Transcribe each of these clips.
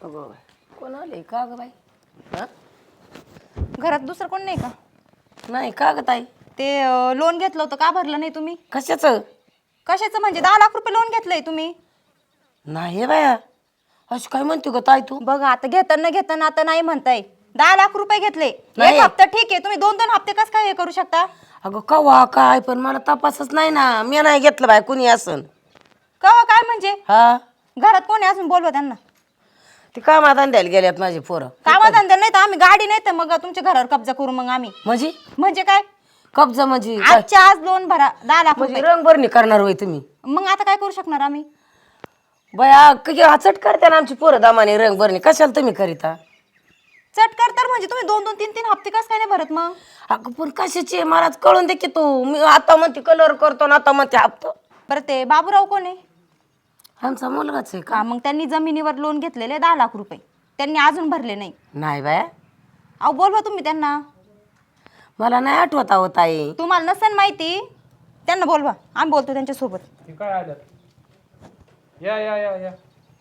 अगं कोण आले का ग बाई? हा घरात दुसरं कोण नाही का? नाही का ग ताई? ते लोन घेतलं होतं का भरलं नाही तुम्ही? कशाचं? कशाचं म्हणजे 10 लाख रुपये लोन घेतलंय तुम्ही? नाही बाया, अशी काय म्हणते ग ताई तू? बघा आता घेताना आता नाही म्हणताय. 10 लाख रुपये घेतले. नाही. एक हप्ता ठीक आहे, तुम्ही 2-2 हप्ते कसं काय हे करू शकता? अगं कवा काय, पण मला तपासच नाही ना. मी नाही घेतलं बाय, कुणी असन. कवा काय म्हणजे? हा घरात कोण आहे अजून? बोलवा त्यांना. ते कामात द्यायला गेल्यात माझे पोरं. कामाधंदा नाही तर आम्ही गाडी नाही तर मग तुमच्या घरावर कब्जा करू मग आम्ही. म्हणजे काय? कब्जा म्हणजे काय? आजच्या आज लोन भरा 10 लाख म्हणजे रुपये. रंगभरणी करणार होय तुम्ही? मग आता काय करू शकणार आम्ही? बया किती हचट करते ना आमची पोरं दामाने रंगभरणी. कशाला तुम्ही करीता? चटकर तर म्हणजे तुम्ही 2-2 3-3 हप्ते कसं काय नाही भरत मग? अगं पण कशाची मलाच कळून दे की तू. मी आता म्हणते कलर करतो ना, आता म्हणते हप्ता. बरं ते बाबूराव कोण आहे? आमचा मुलगाच आहे का? का मग त्यांनी जमिनीवर लोन घेतलेले 10 लाख रुपये, त्यांनी अजून भरले नाही. नाही बाया, अहो बोलवा तुम्ही त्यांना. मला नाही आठवत आहो ताई. तुम्हाला नसेल माहिती, त्यांना बोलवा, आम्ही बोलतो त्यांच्यासोबत. हे काय आल्यात? या या या या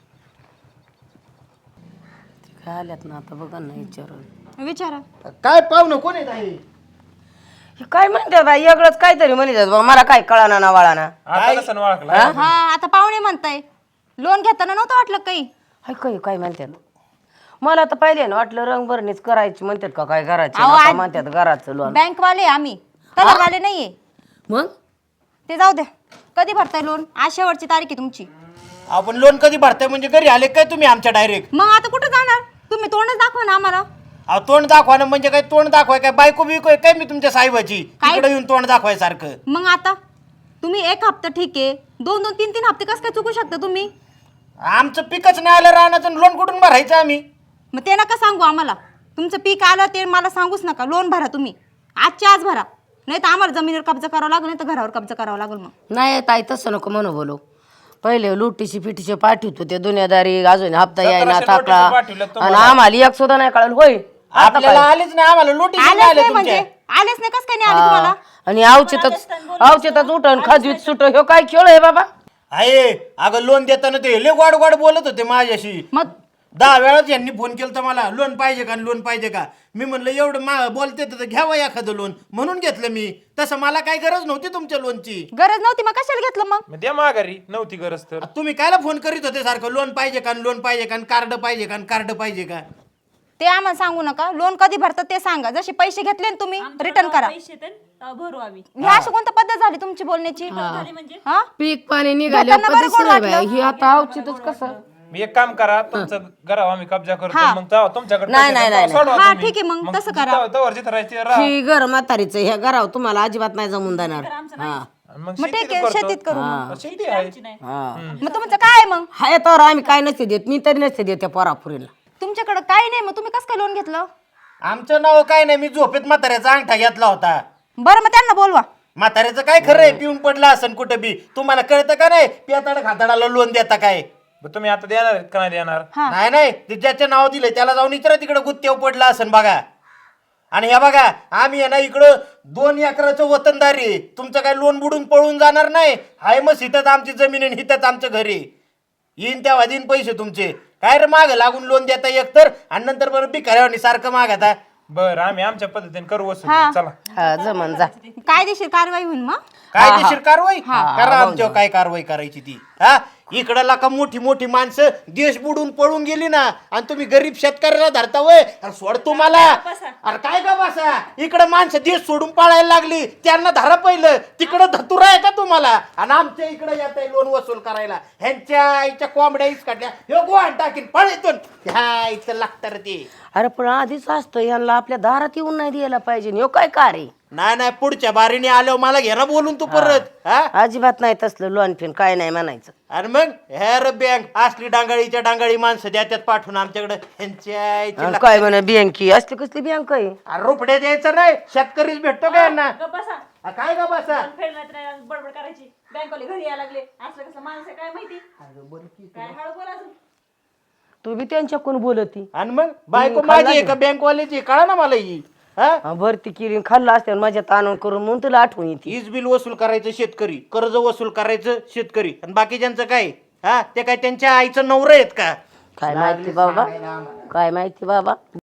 काय आल्यात ना आता बघा ना विचारून. विचारा. काय पाहुणं कोण आहे ताई? हे काय म्हणते बाई, वेगळंच काहीतरी म्हणतात बा. मला काय कळाना ना वळाना. आता कसं ओळखला? हा आता पाहुणे म्हणताय, लोन घेताना नव्हतं वाटलं काही? हाय काय काय म्हणतात? मला तर पाहिले ना वाटलं रंगभरणीच करायची म्हणतात का काय करायची. अहो, आता आज- म्हणतात घराचं लोन. बँकवाले आम्ही, कलरवाले नाहीये. मग ते जाऊ द्या. कधी भरताय लोन? आज शेवटची तारीख आहे तुमची. आपण लोन कधी भरताय म्हणजे घरी आले काय तुम्ही आमच्या डायरेक्ट? मग आता कुठं जाणार तुम्ही? तोंडच दाखवा ना आम्हाला. अहो तोंड दाखवा म्हणजे काय तोंड दाखवाय काय बायको बिको आहे काय मी तुमच्या साहेबाची? काय? इकडे येऊन तोंड दाखवाय सारखं. मग आता तुम्ही एक हप्ता ठीक आहे, 2-2 3-3 हप्ते कसं काय चुकू शकता तुम्ही? आमचं पिकच नाही आलं राहण्याचं लोन कुठून भरायचं आम्ही? मग ते नका सांगू आम्हाला. तुमचं पीक आलं ते मला सांगूच नका. लोन भरा तुम्ही, आजच्या आज भरा, नाही तर आम्हाला जमिनीवर कब्जा करावा लागेल, नाही तर घरावर कब्जा करावा लागेल. मग नाही ताई तसं नको म्हणू बोलू. पहिले लुटीशी पिटीचे पाठवतो ते दुनियादारी, अजून हप्ता यायना 1700 टाकला नोटीस पाठवल्यात आणि तुम्हाला. आम्हाला एक सुद्धा नाही कळलं. होय आता आपल्याला काय? आलेच नाही, आम्हाला लोटी आलेच आले नाही म्हणजे तुमच्या. आलेच नाही कसं काय नाही आले तुम्हाला? आणि औचितच उठण खाजवीत सुट. ह्यो काय खेळ आहे बाबा? आहे अगं लोन देताना ते लय गोड गोड बोलत होते माझ्याशी. मग 10 वेळाच यांनी फोन केला तर मला लोन पाहिजे का लोन पाहिजे का. मी म्हणलं एवढं बोलते तर घ्यावं एखादं लोन म्हणून घेतलं मी. तसं मला काही गरज नव्हती तुमच्या लोनची. गरज नव्हती मग कशाला घेतलं मग? मग द्या माघारी, नव्हती गरज तर. तुम्ही कायला फोन करीत होते सारखं लोन पाहिजे का लोन पाहिजे का कार्ड पाहिजे का कार्ड पाहिजे का? ते आम्हाला सांगू नका. लोन कधी भरतात ते सांगा. जसे पैसे घेतले ना तुम्ही रिटर्न करा. भरू आम्ही. ही अशी कोणती पद्धत झाली तुमची बोलण्याची? हा पीक पाणी घेताना बरं गोड वाटलं. ही आता औचितच कसं? मी एक काम करा, तुमचं घरावर आम्ही कब्जा करतो, हा. मग तेव्हा तुमच्याकडे नाही, पैसे नाही, देतो, सोडवा हा, तुम्ही. ठीक आहे, मग तसं करा. तवर जिथं राहायचं राहा. ही घर म्हातारीचं ह्या घरावर तुम्हाला अजिबात नाही जमून देणार. हा आणि मग मग ठीक शेतीत आहे, करतो. शेतीत करू मग. शेती आहे. हा मग तुमचं काय आहे मग? हाय तर आम्ही काय नसते देत. मी तरी नसते देत त्या पोरापुरीला. तुमच्याकडे काय नाही, मग तुम्ही कसं काय लोन घेतलं? आमचं नाव काय नाही, मी झोपेत म्हाताऱ्याचा अंगठा घेतला होता. बरं मग त्यांना बोलवा. म्हाताऱ्याचं काय खरं आहे, पिऊन पडला असन कुठं बी. तुम्हाला कळतं का नाही पेताड खाताडाला लोन देता काय? मग तुम्ही आता देणार आहेत का नाही देणार? हा. नाही नाही ते ज्याचं नाव दिलंय त्याला जाऊन इकडे तिकडे गुत्तेव पडला असन बघा. आणि हे बघा आम्ही आहे ना इकडं 2 एकराचं वतनदारी आहे. तुमचं काय लोन बुडून पळून जाणार नाही. हाय मग हिथंच आमची जमीन आहे, हिथंच आमचं घर आहे. येईन तेव्हा देईन पैसे तुमचे. काय रे माग लागून लोन देता एकतर आणि नंतर बरं भिकाऱ्यावानी सारखं मागता. बरं आम्ही आमच्या पद्धतीने करू वसूल. हा. चला. हा जमन जा. कायदेशीर कारवाई होईल मग. कायदेशीर कारवाई करा आमच्यावर काय कारवाई करायची ती. हा इकडं लाका मोठी मोठी माणसं देश बुडून पळून गेली ना आणि तुम्ही गरीब शेतकऱ्याला धरता वय. अरे सोड तुम्हाला. अरे काय का बसा इकडं माणसं देश सोडून पळायला लागली त्यांना धरा पहिलं. तिकडं धतुरा आहे का तुम्हाला? आणि आमच्या इकडे येत आहे लोन वसूल करायला. ह्यांच्या आईच्या कोंबड्या इच काढल्या हे गोहाण टाकीन पळेतून ह्या इथं लागतं रे ते. अरे पण आधीच असतं यांना आपल्या दारात येऊन नाही द्यायला पाहिजे. ह्यो काय रे? नाही नाही पुढच्या बारीने आल्यावर मला घे ना बोलून तू परत. हा अजिबात नाही तसलं लोन फिन काय नाही म्हणायचं. आणि मग हेर बँक असली डांगाळीच्या डांगाळी माणसं द्याच्यात पाठवून आमच्याकडे ह्यांच्या आईची आणि काय म्हणे बँकी असली कसली बँक आहे? अरे रुपड्या द्यायचं नाही शेतकरीच भेटतो का यांना? बसा काय का बसा फेडण्यात नाही बडबड करायची. बँकवाले घरी यायला लागले, असलं कसं माणसं काय माहिती काय हळू बोला अजून. तू बी त्यांच्याकडून बोलती. आणि मग बायको माझी आहे का बँकवाल्याची कळा ना मला ही. हा भरती केली खाल्लं असते माझ्या ताणून करून म्हणून तुला आठवण येते. वीज बिल वसूल करायचं शेतकरी, कर्ज वसूल करायचं शेतकरी आणि बाकीच्यांचं काय? हा ते काय त्यांच्या आईचं नवरं आहेत का? काय माहिती बाबा, काय माहिती बाबा.